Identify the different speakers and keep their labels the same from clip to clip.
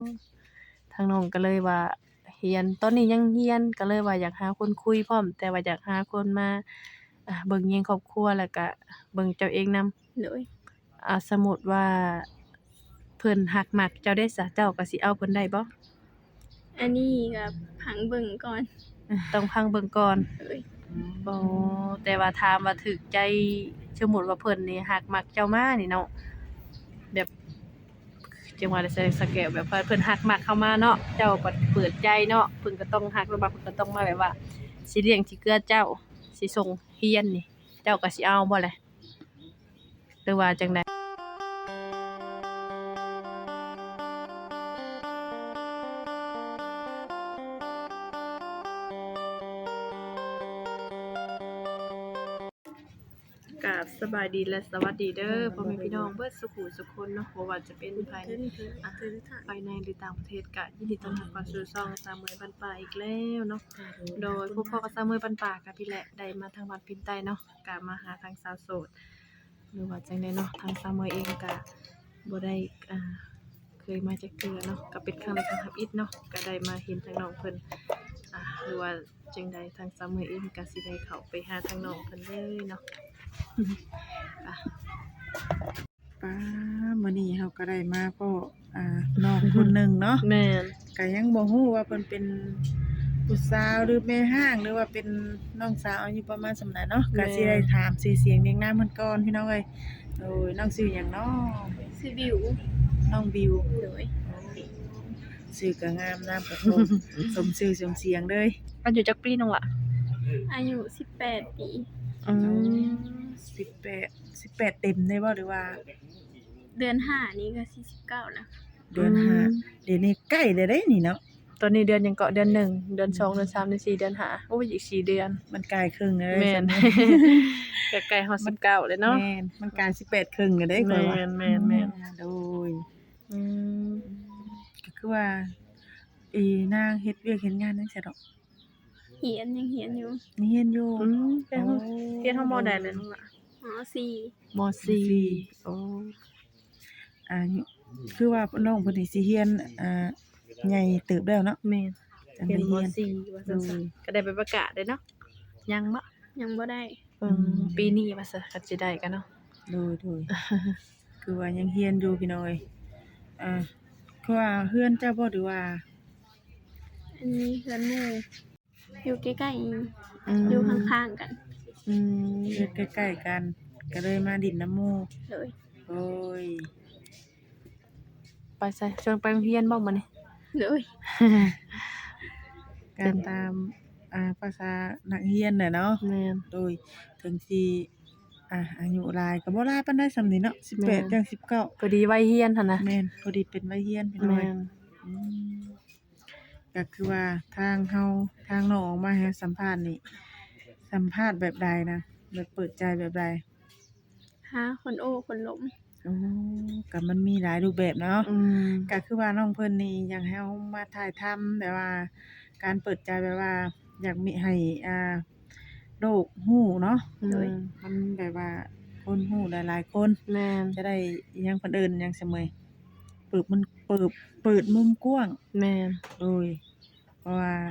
Speaker 1: ทางน้องก็เลยว่าเรียนตอนนี้ยังเรียนก็เลยว่าอยากหาคนคุยพร้อมแต่ว่าอยากหาคนมาเบิ่งแยงครอบครัวแล้วก็เบิ่งเจ้าเองนำ
Speaker 2: โดย
Speaker 1: สมมุติว่าเพิ่นรักมักเจ้าได้ซะเจ้าก็สิเอาเพิ่นได้บ่
Speaker 2: อันนี้ก็ผังเบิ่งก่อน
Speaker 1: ต้องพังเบิ่งก่อน
Speaker 2: โดย
Speaker 1: อ๋อแต่ว่าถามว่าถูกใจสมมุติว่าเพิ่นนี่รักมักเจ้ามานี่เนาะแบบจังว่าได้ใส่สเกลแบบว่าเพิ่นรักมักเข้ามาเนาะเจ้าก็เปิดใจเนาะเพิ่นก็ต้องรักแล้วว่าเพิ่นก็ต้องมาแบบว่าสิเลี้ยงสิเกื้อเจ้าสิส่งเรียนนี่เจ้าก็สิเอาบ่ล่ะหรือว่าจังใดกราบสบายดีและสวัสดีเด้อพ่อแม่พี่น้องเบิดสุขุสุขคนเนาะบ่ว่าจะเป็นภายในภายในหรือต่างประเทศก็ยินดีต้อนรับเข้าสู่ช่องสามมื้อบ้านป่าอีกแล้วเนาะโดยพวกพ่อกับสามมื้อบ้านป่ากับพี่แหละได้มาทางวัดพินใต้เนาะก็มาหาทางสาวโสดหรือว่าจังได๋เนาะทางสามมื้อเองก็บ่ได้เคยมาจักเทื่อเนาะก็เป็นครั้งแรกครั้งทับอิฐเนาะก็ได้มาเห็นทางน้องเพิ่นหรือว่าจังใดทางสามมื้อเองก็สิได้เข้าไปหาทางน้องเพิ่นเลยเนาะ อ่ะ
Speaker 3: ป้ามื้อนี้เราก็ได้มาพ้อน้องคนหนึ่งเนาะ
Speaker 1: แม่น
Speaker 3: ก็ยังบ่ฮู้ว่าเพิ่นเป็นผู้สาวหรือแม่ห้างหรือว่าเป็นน้องสาวอายุประมาณส่ำใดเนาะก็สิได้ถามชื่อเสียงเรียงนามเพิ่นก่อนพี่น้องเอ้ยโอ้ยน้องชื่อหยังเนาะ
Speaker 2: ชื่อบิว
Speaker 3: น้องบิว
Speaker 2: โดย
Speaker 3: ชื่อก็งามนามก็ตรงสมชื่อสมเสียงเลย
Speaker 1: อายุจักปีน้องล่ะ
Speaker 2: อายุ18ปี
Speaker 1: อืม
Speaker 3: 18เต็มได้บ่หรือว่า
Speaker 2: เดือน5นี้ก็49แล้ว
Speaker 3: เดือนห้าเดี๋ยวนี้ใกล้แล้วเด้นี่เนาะ
Speaker 1: ตอนนี้เดือนหยังเกาะเดือน1เดือน2เดือน3เดือน4เดือน5โอ้ยอีก4เดือน
Speaker 3: มันใกล้ครึ่งแล้ว
Speaker 1: แม่น
Speaker 3: ใช่ไห
Speaker 1: ใกล้ๆฮอด19เลยเนาะ
Speaker 3: แม่นมันกลาย18ครึ่งแล้วเด้ข่อยว่า
Speaker 1: แม่นๆ
Speaker 3: โดย
Speaker 1: อืม
Speaker 3: ก็คือว่านางเฮ็ดเวียกเฮ็ดงานจังซี่ดอก
Speaker 2: เหียนยังเหียนอยู่
Speaker 3: นี่เฮียนอยู่
Speaker 1: เป็นห้องเรียนห้องมอใดเลยน้องล่ะ
Speaker 2: ม.4
Speaker 1: ม.4โอ้
Speaker 3: อ่าคือว่าน้องเพิ่นนี่สิเฮียนใหญ่เติบแล้วเนาะ
Speaker 1: แม่น
Speaker 3: จัง
Speaker 1: เรีย
Speaker 3: ได้
Speaker 1: นม
Speaker 3: เฮียน
Speaker 1: .4 ว่าซั่นๆก็ได้ไปประกาศเด้เนาะยังบ่
Speaker 2: ยังบ่ได้
Speaker 1: ปีนี้ว่าซะก็สิได้กันเนาะ
Speaker 3: โดยคือว่ายังเฮียนอยู่พี่น้อยคือว่าเฮือนเจ้าบ่หรือว่า
Speaker 2: อันนี้เฮือนหมู่อยู่ใกล้ๆ
Speaker 1: ม
Speaker 2: อยู่ข้างๆกัน
Speaker 3: เฮือนใกล้ๆกัน ก็เลยมาดินน้ำหมู่
Speaker 2: โดย
Speaker 3: โอ้ย
Speaker 1: ไปใส่ชวนไปโรงเรียนบ่มื้อนี้
Speaker 2: โดย
Speaker 3: การตามภาษานักเรียนน่ะเนาะ
Speaker 1: แม่น
Speaker 3: โดยถึงสิอายุหลายก็บ่หลายปานใดส่ำนี้เนาะ18จัง19
Speaker 1: พอดีวัยเรียนหั่นนะ
Speaker 3: แม่นพอดีเป็นวัยเรียนพี่น้อ
Speaker 1: แม่
Speaker 3: ย
Speaker 1: น
Speaker 3: อืมก็คือว่าทางเฮาทางน้องออกมาให้สัมภาษณ์นี่สัมภาษณ์แบบใดนะแบบเปิดใจแบบใด
Speaker 2: หาคนโอ้คนหลม
Speaker 3: อ๋อก็มันมีหลายรูปแบบเนาะ
Speaker 1: อืม
Speaker 3: ก็คือว่าน้องเพิ่นนี่อยากให้เฮามาถ่ายทำแบบว่าการเปิดใจแบบว่าอยากมีให้โลกฮู้เนาะ
Speaker 1: โดย
Speaker 3: มันแบบว่าคนฮู้หลายๆคน
Speaker 1: แม่น
Speaker 3: จะได้อิหยังเพิ่นเอิ้นหยังซั้นเมยเปิดมุมกว้าง
Speaker 1: แม่น
Speaker 3: โดยเพราะว่า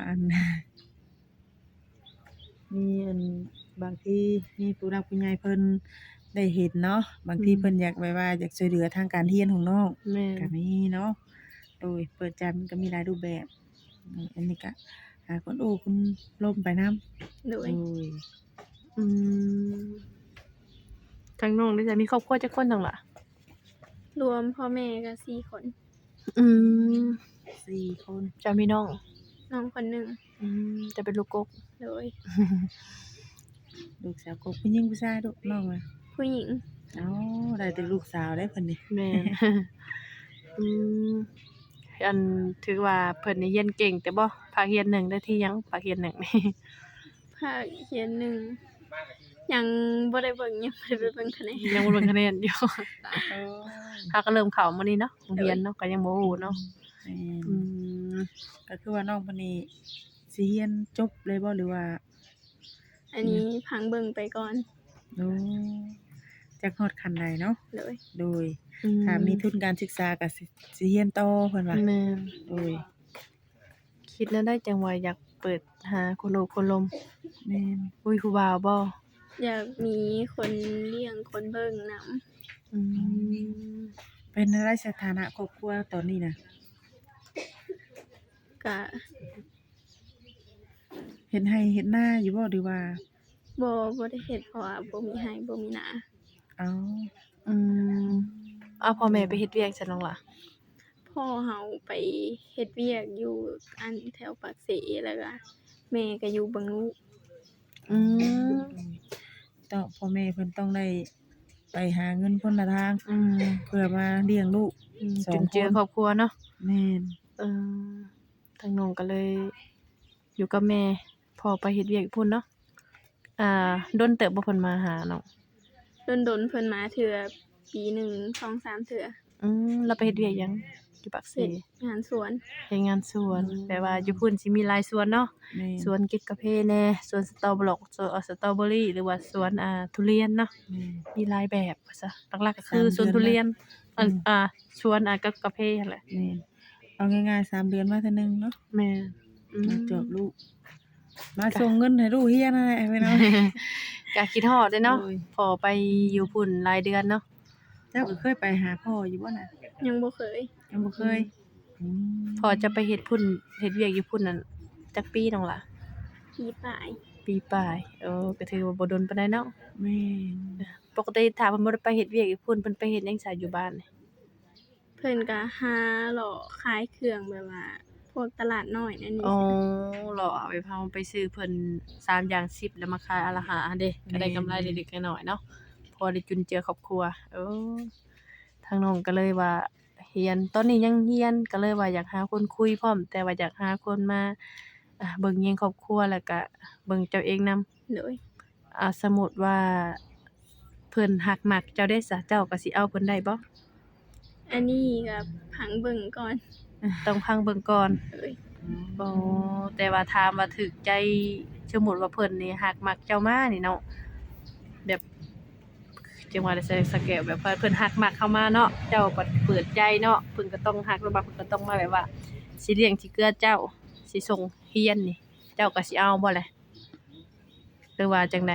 Speaker 3: มีบางทีมีผู้รักผู้ใหญ่เพิ่นได้เห็นเนาะบางทีเพิ่นอยากแบบว่าอยากช่วยเหลือทางการเรียนของน้อง
Speaker 1: แม่น
Speaker 3: ก็มีเนาะโดยเปิดใจมันก็มีหลายรูปแบบอันนี้ก็หาคนโอ้คนล้มไปนำ
Speaker 2: โด
Speaker 3: โด
Speaker 2: ย
Speaker 3: ย
Speaker 1: อืมทางน้องได้จะมีครอบครัวจักคนจังล่ะ
Speaker 2: รวมพ่อแม่ก็4คน
Speaker 1: อืม
Speaker 3: 4 คน
Speaker 1: จะมีน้อง
Speaker 2: น้องคนหนึง
Speaker 1: จะเป็นลูกกก
Speaker 2: โดย
Speaker 3: ลูกสาวกบผู้หญิงผู้ชายลูกน้องอะ
Speaker 2: ผู้หญิง
Speaker 3: อ๋อได้แต่ลูกสาวได้เพิ่นนี่
Speaker 1: แม่น อืมอันถือว่าเพิ่นนี่เรียนเก่งแต่บ่ภาคเรียน1ได้ที่หยังภาคเรียน1นี่
Speaker 2: ภาคเขียนหนึ่งยังบ่ได้เบิ่งยังบ่ได้ไปเบิ่งคะแนน
Speaker 1: ยังบ่เบิ่งคะแนนอยู่
Speaker 3: โอ้
Speaker 1: ถ้าก็เริ่มเข้ามื้อนี้เนาะโรงเรียนเนาะก็ยังบ่ฮู้เนาะ
Speaker 3: แม่น
Speaker 1: อืม
Speaker 3: ก็คือว่าน้องเพิ่นนี่สิเรียนจบเลยบ่หรือว่า
Speaker 2: อันนี้พังเบิ่งไปก่อน
Speaker 3: โอ้จักฮอดขั้นใดเนาะ
Speaker 2: โดย
Speaker 3: โดยถ้ามีทุนการศึกษาก็สิเรียนต่อเพิ่นว่า
Speaker 1: แม่น
Speaker 3: โดย
Speaker 1: คิดแล้วได้จังว่าอยากเปิดหาคนโอบคนลม
Speaker 3: แม่น
Speaker 1: อุ้ยผู้บ่าวบ่
Speaker 2: อยากมีคนเลี้ยงคนเบิ่งนำ
Speaker 1: อืม
Speaker 3: เป็นอะไรสถานะครอบครัวตอนนี้น่ะ
Speaker 2: ก็
Speaker 3: เฮ็ดให้เฮ็ดนาอยู่บ่หรือว่า
Speaker 2: บ่ได้เฮ็ดเพราะว่าบ่มีให้บ่มีนา
Speaker 3: เอ้า
Speaker 1: อืมเอาพ่อแม่ไปเฮ็ดเวียกซั่นน้องล่ะ
Speaker 2: พ่อเฮาไปเฮ็ดเวียกอยู่อันแถวปากเสแล้วก็แม่ก็อยู่บังนุ
Speaker 1: อืม
Speaker 3: ต้องพ่อแม่เพิ่นต้องได้ไปหาเงินคนละทาง
Speaker 1: อืม
Speaker 3: เพื่อมาเลี้ยงลูก สอง
Speaker 1: จุนเจือ
Speaker 3: คน
Speaker 1: ครอบครัวเนาะ
Speaker 3: แม่น
Speaker 1: เออทางน้องก็เลย อยู่กับแม่พ่อไปเฮ็ดเวียกพุ่นเนาะดนเติบบ่เพิ่นมาหาน้อง
Speaker 2: ดนๆเพิ่นมาเทื่อปีหนึ่ง 2-3 เทื่อ
Speaker 1: เราไปเฮ็ดเวียกหยังอยู่ปากเส
Speaker 2: เฮ็ดงานสวน
Speaker 1: เฮ็ดงานสวนแปลว่าอยู่พุ่นสิมีหลายสวนเนาะ
Speaker 3: แม่น
Speaker 1: สวนเก็บกาแฟแหน่สวนสตรอเบอร์สตรอเบอรี่หรือว่าสวนทุเรียนเนาะ
Speaker 3: แม่น
Speaker 1: มีหลายแบบว่าซะหลักๆก็คือ
Speaker 3: 3
Speaker 1: สวนทุเรียน
Speaker 3: อืม
Speaker 1: สวนกับกาแฟนั่นแหละ
Speaker 3: แม่นเอาง่ายๆ3 เดือนมาเทื่อนึงเนาะ
Speaker 1: แม่น
Speaker 3: มาจอบลูก มาส่งเงินให้ลูกเรียนนั่นแหละพี่น้อง
Speaker 1: ก็คิดฮอดเด้เนาะ
Speaker 3: โอ้ย
Speaker 1: พอไปอยู่พุ่นหลายเดือนเนาะ
Speaker 3: เจ้าก็เคยไปหาพ่ออยู่บ่น่ะ
Speaker 2: ยังบ่เคย
Speaker 3: ยังบ่เคยอืม
Speaker 1: พอจะไปเฮ็ดพุ่นเฮ็ดเวียกอยู่พุ่นนั่นจักปีน้องล่ะ
Speaker 2: ปีปลาย
Speaker 1: ปีปลายก็ถือว่าบ่ดนปานใดเนาะ
Speaker 3: แม่น
Speaker 1: ปกติถ้าเพิ่นบ่ได้ไปเฮ็ดเวียกอยู่พุ่นเพิ่นไปเฮ็ดหยังซะอยู่บ้านนี่
Speaker 2: เพิ่นก็หาหล่อขายเครื่องแบบว่า พวกตลาดน้อยนั่นนี่
Speaker 1: อ๋อเหรอเอาไปเฮาไปซื้อเพิ่น3อย่าง10แล้วมาขายอันละ5เด้ก็ได้กำไรเล็กๆน้อยๆเนาะพอได้จุนเจือครอบครัวทางน้องก็เลยว่าเรียนตอนนี้ยังเรียนก็เลยว่าอยากหาคนคุยพร้อม แต่ว่าอยากหาคนมาเบิ่งแยงครอบครัวแล้วก็เบิ่งเจ้าเองนำ
Speaker 2: โดย
Speaker 1: สมมุติว่าเพิ่นฮักมักเจ้าได้ซะเจ้าก็สิเอาเพิ่นได้บ่
Speaker 2: อันนี้ก็ผังเบิ่งก่อน
Speaker 1: ต้องพังเบิ่งก่อน
Speaker 2: โดย
Speaker 1: บ่แต่ว่าถามว่าถูกใจสมมุติว่าเพิ่นนี่ฮักมักเจ้ามานี่เนาะแบบจังว่าได้ใส่สแกลแบบว่าเพิ่นฮักมักเข้ามาเนาะเจ้าก็เปิดใจเนาะเพิ่นก็ต้องฮักแล้วว่าเพิ่นก็ต้องมาแบบว่าสิเลี้ยงสิเกื้อเจ้าสิส่งเรียนนี่ เจ้าก็สิเอาบ่แหละหรือว่าจังใด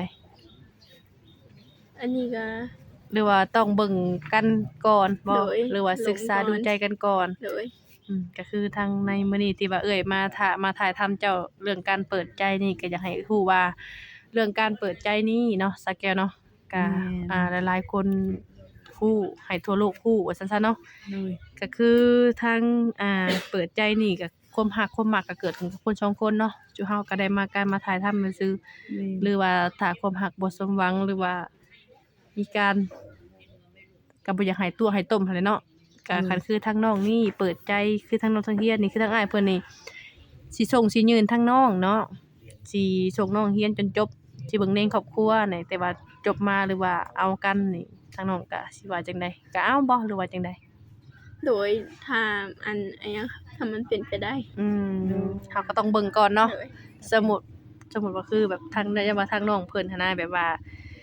Speaker 2: อันนี้ก็
Speaker 1: หรือว่าต้องเบิ่งกันก่อนบ่
Speaker 2: โดย
Speaker 1: หรือว่าศึกษา
Speaker 2: ลงก่อน
Speaker 1: ดูใจกันก่อน
Speaker 2: โดย
Speaker 1: ก็คือทางในมื้อนี้ที่ว่าเอ่ยมาถ่ายทำเจ้าเรื่องการเปิดใจนี่ก็อยากให้ฮู้ว่าเรื่องการเปิดใจนี่เนาะสาแก้วเนาะก็หลายๆคนฮู้ให้ทั่วโลกฮู้ว่าซั่นซะเนาะ
Speaker 3: โดย
Speaker 1: ก็คือทางเปิดใจนี่ก็ความรักความมักก็เกิดขึ้นกับคนสองคนเนาะจุเฮาก็ได้มาการมาถ่ายทำซื่อ
Speaker 3: แม่น
Speaker 1: หรือว่าถ้าความรักบ่สมหวังหรือว่ามีการก็บ่อยากให้ตัวให้ต้มหั้นแหละเนาะก็คันคือทางน้องนี่เปิดใจคือทางน้องทางเฮียนนี่คือทางอ้ายเพิ่นนี่สิส่งสิยืนทางน้องเนาะสิส่งน้องเรียนจนจบสิเบิ่งแนงครอบครัวนี่แต่ว่าจบมาหรือว่าเอากันนี่ทางน้องก็สิว่าจังใดก็เอาบ่หรือว่าจังใด
Speaker 2: โดยถ้าอันยังถ้ามันเป็นไปได้
Speaker 1: เฮาก็ต้องเบิ่งก่อนเนาะ
Speaker 2: โดย
Speaker 1: สมมุติว่าคือแบบทางอย่าว่าทางน้องเพิ่นหันนะแบบว่า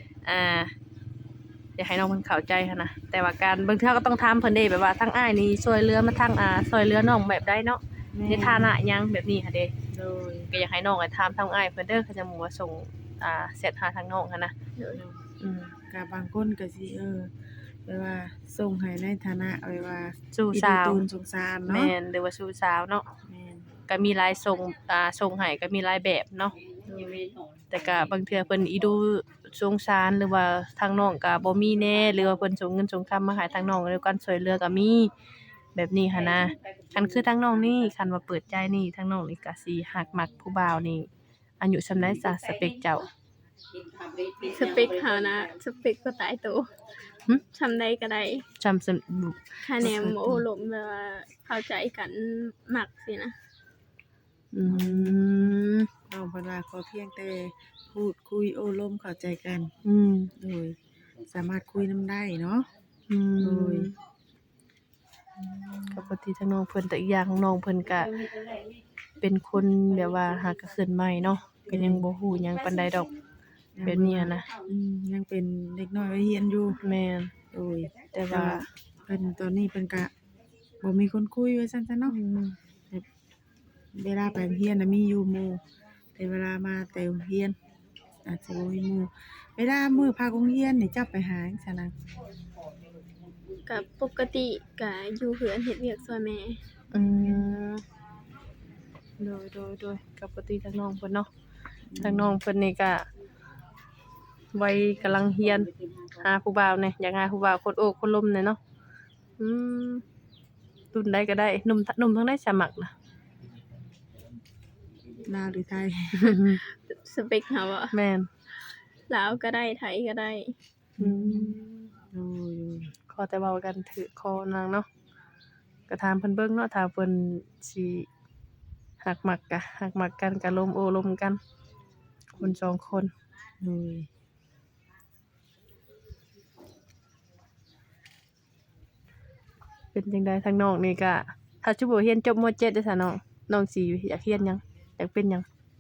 Speaker 1: อยากให้น้องเพิ่นเข้าใจหันนะแต่ว่าการบางเทื่อก็ต้องถามเพิ่นเด้แบบว่าทางอ้ายนี่ช่วยเหลือมาทางช่วยเหลือน้องแบบใดเนาะในฐานะหยังแบบนี้ค่ะเด้
Speaker 3: โดย
Speaker 1: ก็อยากให้น้องถามทางอ้ายเพิ่นเด้อเขาจะหมู่ว่าส่งเสร็จหาทางน้องหันนะ
Speaker 2: โดย
Speaker 3: ก็บางคนก็สิแบบว่าส่งให้ในฐานะแบบว่า
Speaker 1: สู่สาว
Speaker 3: อีดูตูนสงสารเนาะ
Speaker 1: แม่นหรือว่าสู่สาวเนาะ
Speaker 3: แม่น
Speaker 1: ก็มีหลายส่งให้ก็มีหลายแบบเนาะ แต่ก็บางเทื่อเพิ่นอีดูสงสารหรือว่าทางน้องก็บ่มีแน่หรือว่าเพิ่นส่งเงินส่งคำมาให้ทางน้องแล้วการช่วยเหลือก็มีแบบนี้หันนะคันคือทางน้องนี่คันว่าเปิดใจนี่ทางน้องนี่ก็สิฮักมักผู้บ่าวนี่อายุส่ำใดซะสเปคเจ้า
Speaker 2: สเปคเขานะสเปคก็ตายตัว
Speaker 1: หึ
Speaker 2: ทำได้ก็ได้
Speaker 1: จำ
Speaker 2: คะแนนโอ้ลมแบบว่าเข้าใจกันมักสินะ
Speaker 1: อืม
Speaker 3: น้องเพิ่นว่าขอเพียงแต่พูดคุยโอ้ร่มเข้าใจกัน
Speaker 1: อืม
Speaker 3: โดยสามารถคุยนำได้เนาะ
Speaker 1: อื
Speaker 3: โดย
Speaker 1: ก็ปกติทางน้องเพิ่นแต่อีกอย่างของน้องเพิ่นก็เป็นคนแบบว่าหากก็ขึ้นใหม่เนาะก็ยังบ่ฮู้หยังปานใดดอกแบบนี้นะ
Speaker 3: ยังเป็นเด็กน้อยวัยเรียนอยู่
Speaker 1: แม่น
Speaker 3: โดย
Speaker 1: แต่
Speaker 3: แต่
Speaker 1: ว่า
Speaker 3: ว่าเพิ่นตอนนี้เพิ่นก็บ่มีคนคุยว่าซั่นซะเนาะแบบเวลาไปโรงเรียนน่ะมีอยู่หมู่แต่เวลามาแต่โรงเรียนอาจจะบ่มีหมู่เวลามื้อพักโรงเรียนนี่เจ้าไปหาจังซั่นนะ
Speaker 2: ก็ปกติก็อยู่เฮือนเฮ็ดเวียกช่วยแม่
Speaker 1: อืมโดยกับปกติทางน้องเพิ่นเนาะทางน้องเพิ่นนี่ก็วัยกำลังเรียนหาผู้บ่าวแหน่อยากหาผู้บ่าวคนโอ้คนล้มแหน่เนาะอืมรุ่นใดก็ได้หนุ่มทั้งได้สมัครนะ
Speaker 3: ลาวหรือไทย
Speaker 2: สเปคเฮาอะ
Speaker 1: แม่น
Speaker 2: ลาวก็ได้ไทยก็ได้
Speaker 1: อืม
Speaker 3: โอ้ย
Speaker 1: ขอแต่เว้ากันถือคอนางเนาะก็ถามเพิ่นเบิ่งเนาะถ้าเพิ่นสิหักมักกันก็ล้มโอ้ล้มกัน คนสองคน
Speaker 3: โอ้ย
Speaker 1: เป็นจังได๋ทางน้องนี่ก็ถ้าสิบ่เรียนจบม .7 ได้ซะน้องสิอยากเรียนหยังอยากเป็นหยัง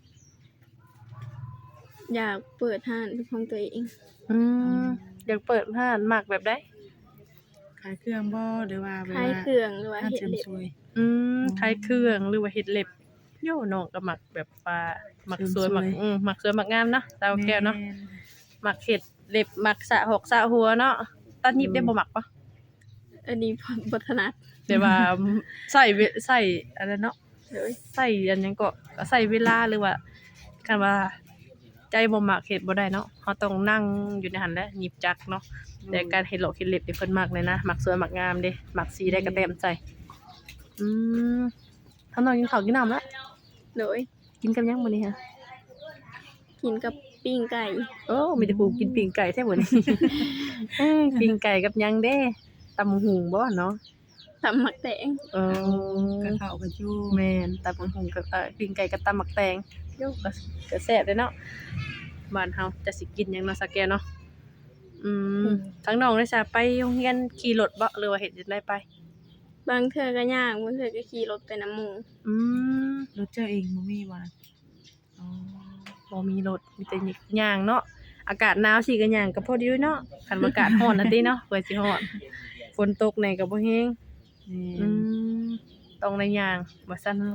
Speaker 2: อยากเปิดร้านเป็นของตัวเอง
Speaker 1: อืมอยากเปิดร้านมักแบบใด
Speaker 3: ขายเครื่องบ่หรือว่าเว
Speaker 2: ขาย
Speaker 3: ลา
Speaker 2: เครื่องหรือว่า
Speaker 3: ร้าน
Speaker 2: เฮ็ด
Speaker 3: เสริม
Speaker 2: เล็บ
Speaker 3: สวย
Speaker 1: ขายเครื่องหรือว่าเฮ็ดเล็บโย่น้องก็มักแบบว่ามักสวย
Speaker 3: เสริมสวย
Speaker 1: มักสวยมักงามเนาะสาวแก้วเนาะ
Speaker 3: ม่
Speaker 1: มักเฮ็ดเล็บมักสระหกสระหัวเนาะตัดหยิบได้บ่มักปะ
Speaker 2: อันนี้บ่ถนัด
Speaker 1: แต่ว่าใส่อันนั้นเนาะ
Speaker 2: เลย
Speaker 1: ใส่อันหยังก็ใส่เวลาหรือว่าคันว่าใจบ่มักเฮ็ดบ่ได้เนาะเฮาต้องนั่งอยู่ในหันแหละหยิบจักเนาะแต่การเฮ็ดหลอกเฮ็ดเล็บนี่เพิ่นมักเลยนะมักสวยมักงามเด้มักสีได้ก็แต้มใจอืมทางน้องกินข้าวกินน้ำแล้ว
Speaker 2: เลย
Speaker 1: กินกับหยังมื้อนี้ฮะ
Speaker 2: กินกับปิ้งไก่
Speaker 1: โอ้มีแต่ผู้กินปิ้งไก่แท้มื้อนี้ ปิ้งไก่กับหยังเด้ตำบักหุ่งบ่เนาะ
Speaker 2: ตำหมักแตง
Speaker 1: เอ
Speaker 3: ก็
Speaker 1: อ
Speaker 3: เข้ากันอยู่
Speaker 1: แม่นตำบักหุ่งกับปิ้งไก่กับตำบักแตงโยก็แซ่บเด้เนาะบ้านเฮาจะสิกินหยังเนาะสักแกเนาะทั้งน้องได้ซะไปโรงเรียนขี่รถบ่หรือว่าเฮ็ดจังไดไป
Speaker 2: บางเทื่อก็ย่างบางเทื่อก็ขี่รถไปนำหมู่
Speaker 1: อืม
Speaker 3: รถเจ้าเองบ่มีบ่นะอ๋อ
Speaker 1: บ่มีรถมีแต่ย่างเนาะอากาศหนาวสิก็ย่างก็พอดีเนาะคันว่าอากาศร้อนน่ะติเนาะเพื่อสิฮอดฝนตกแหน่ก็บ่แฮง
Speaker 3: แม่
Speaker 1: ต้องได้ย่างว่าซั่นเนาะ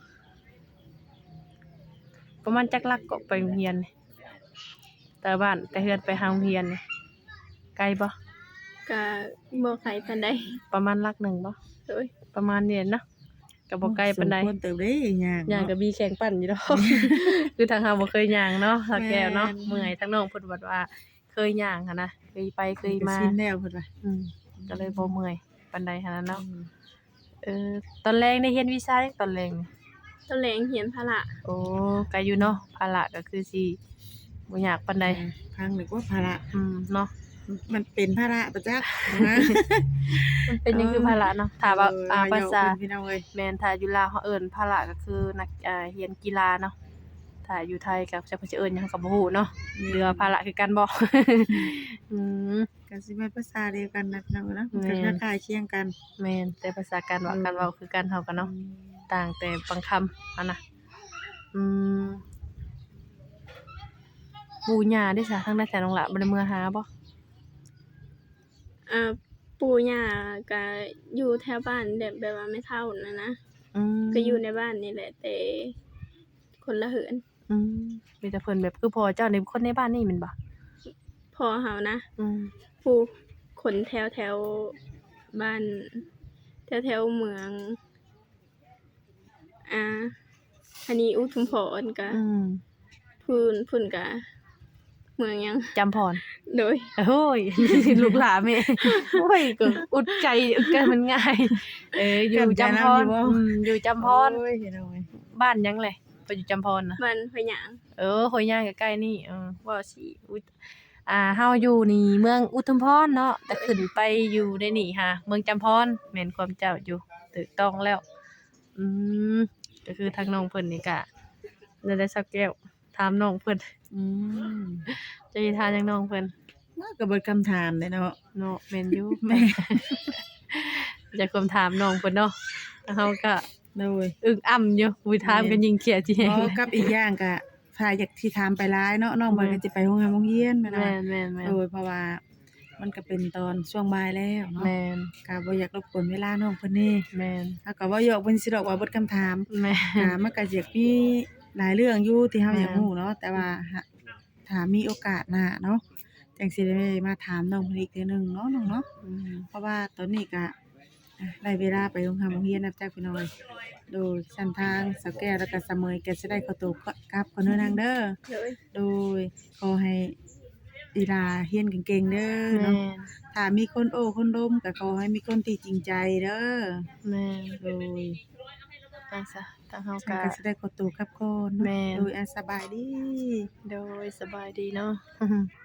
Speaker 1: ประมาณจักลักก็ไปโรงเรียนนี่แต่บ้านแต่เฮือนไปหาโรงเรียนนี่ไกลบ่
Speaker 2: ก็บ่ไกลปานใด
Speaker 1: ประมาณลักหนึ่งบ่
Speaker 2: เลย
Speaker 1: ประมาณนี้เนาะก็บ่ไกลปานใด
Speaker 3: สมควรเติบเด้ย่าง
Speaker 1: ย่าง
Speaker 3: เนาะ
Speaker 1: ก็มีแข่งปั่นอยู่ดอก คือทางเฮาบ่เคยย่างเนาะถ้าแก้วเนาะ
Speaker 3: แม่น
Speaker 1: เมื่อยทางน้องเพิ่นว่าเคยย่างหันนะเคยไปเคยมา
Speaker 3: ก็ชินแล้วเพิ่นว่า
Speaker 1: ก็เลยบ่เมื่อยปานใดหันนั้นเนาะตอนแรกได้เรียนวิชาตอนแรกนี่
Speaker 2: ตอนแลงเหียนพละ
Speaker 1: โอ้ก็อยู่เนาะภาระก็คือสิบ่ยากปานใด
Speaker 3: พังนึกว่าภาระ
Speaker 1: เนาะ
Speaker 3: มันเป็นภาระประจักษ์นะ
Speaker 1: มันเป็นหยังคือภาระเนาะถ้าว่าภาษา
Speaker 3: พี่น้องเอ้ย
Speaker 1: แม่นถ้าอยู่ลาวเขาเอิ้นภาระก็คือนักเรียนกีฬาเนาะถ้าอยู่ไทยก็จะเพิ่นสิเอิ้นหยังก็บ่ฮู้เนาะหรือว่าภาระคือกันบ่
Speaker 3: ก็สิแม่นภาษาเดียวกันนะพี่น้องเนาะมัน
Speaker 1: แม่
Speaker 3: ก็
Speaker 1: น
Speaker 3: คล้ายๆเคียงกัน
Speaker 1: แม่นแต่ภาษาการว่ากันเว้าคือกันเฮากันเนาะต่างแต่บางคำอันน่ะปู่ย่าได้ซะทางได้แต่น้องหละบ่ได้เมื่อหาบ่
Speaker 2: ปู่ย่าก็อยู่แถวบ้านแบบว่าไม่เฒ่านั่นนะ
Speaker 1: อืม
Speaker 2: ก็อยู่ในบ้านนี่แหละแต่คนละเหิน
Speaker 1: มีแต่เพิ่นแบบคือพ่อเจ้านี่คนในบ้านนี่แม่นบ่
Speaker 2: พอเฮานะ
Speaker 1: อืม
Speaker 2: ผู้คนแถวบ้านแถวเมืองอันนี้อุทุมพรก็พุ่นก็เมืองหยัง
Speaker 1: จำพร
Speaker 2: โดย
Speaker 1: โอ้ย ลูกหลานแม่โอ้ยก็อุดใจมันง่ายอยู่จำพรอยู่จำพร
Speaker 3: โอ้ยพี่น้องเอ้ย
Speaker 1: บ้านหยังแหละไปอยู่จำพรน่ะ
Speaker 2: บ้านพะหยาง
Speaker 1: หอยย่างใกล้ๆนี่ว่าสิเฮาอยู่นี่เมืองอุทุมพรเนาะแต่ขึ้นไปอยู่ในนี่ค่ะเมืองจำพรแม่นความเจ้าอยู่ถูกต้องแล้วก็คือทางน้องเพิ่นนี่ก็ได้สักแก้วถามน้องเพิ่น จะสิถามหยังน้องเพิ่น
Speaker 3: ว่าก็เบิดคำถามเลยเนาะ
Speaker 1: เนาะแม่นอยู่
Speaker 3: แม่
Speaker 1: จะคำถามน้องเพิ่นเนาะแล้วเฮาก็
Speaker 3: โดย
Speaker 1: อึ้งอ้ำอยู่วิถามกันยิงเขียดจิ
Speaker 3: อ๋อกับอีกอย่างก็ถ้าอยากสิถามไปหลายเนาะน้องเพิ่นก็สิไปโรงโรงเรียนแม่น
Speaker 1: แม่
Speaker 3: ว่าน
Speaker 1: แม่นแม่น
Speaker 3: โดยเพราะว่ามันก็เป็นตอนช่วงบ่ายแล้วเนาะ
Speaker 1: แม่น
Speaker 3: ก็บ่อยากรบกวนเวลาน้องเพิ่นนี่
Speaker 1: แม่น
Speaker 3: เฮาก็เว้าหยอกเพิ่นสิดอกว่าเบิดคำถาม
Speaker 1: แม่
Speaker 3: ก็มันก็สิมีหลายเรื่องอยู่ที่เฮา
Speaker 1: แม่น
Speaker 3: อยากรู้เนาะแต่ว่าถ้ามีโอกาสหน้าเนาะจังสิได้มาถามน้องเพิ่นอีกเทื่อหนึงเนาะน้องเนาะ
Speaker 1: อืม
Speaker 3: เพราะว่าตอนนี้ก็ได้เวลาไปโรงเรียนแล้วจ้ะพี่น้อยโดยเส้นทางสาวแก้วแล้วก็เสมยก็สิได้ขอตัวกลับก่อนเด้อนางเด้อ
Speaker 2: โดย
Speaker 3: โดยขอให้อีหลาเรียนเก่งๆเด้อ
Speaker 1: แม่
Speaker 3: เนาะ
Speaker 1: น
Speaker 3: ถ้ามีคนโอ้คนล้มก็ขอให้มีคนที่จริงใจเด้อ
Speaker 1: แม่น
Speaker 3: โดย
Speaker 1: ไปซะทางเฮา
Speaker 3: ฉัน
Speaker 1: ก็
Speaker 3: ก็สิได้ขอตัวกลับก่อนเนาะ
Speaker 1: แม่น
Speaker 3: โดยสบายดี
Speaker 1: โดยสบายดีเนาะ